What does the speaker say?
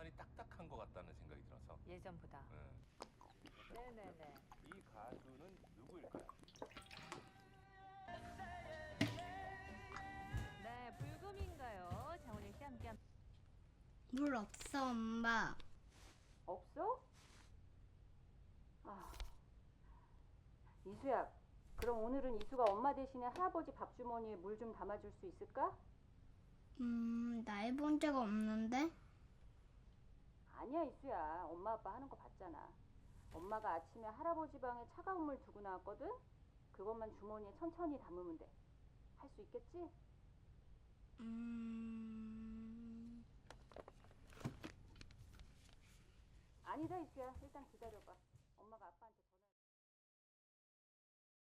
많이 딱딱한 것 같다는 생각이 들어서. 예전보다. 네네네. 이 가수는 누구일까요? 네, 불금인가요? 장원영 씨 함께. 물 없어, 엄마. 없어? 아, 이수야, 그럼 오늘은 이수가 엄마 대신에 할아버지 밥 주머니에 물 좀 담아줄 수 있을까? 나 해본 적 없는데? 아니야, 이수야. 엄마 아빠 하는 거 봤잖아. 엄마가 아침에 할아버지 방에 차가운 물 두고 나왔거든? 그것만 주머니에 천천히 담으면 돼. 할 수 있겠지? 아니다, 이수야. 일단 기다려봐. 엄마가 아빠한테 전화.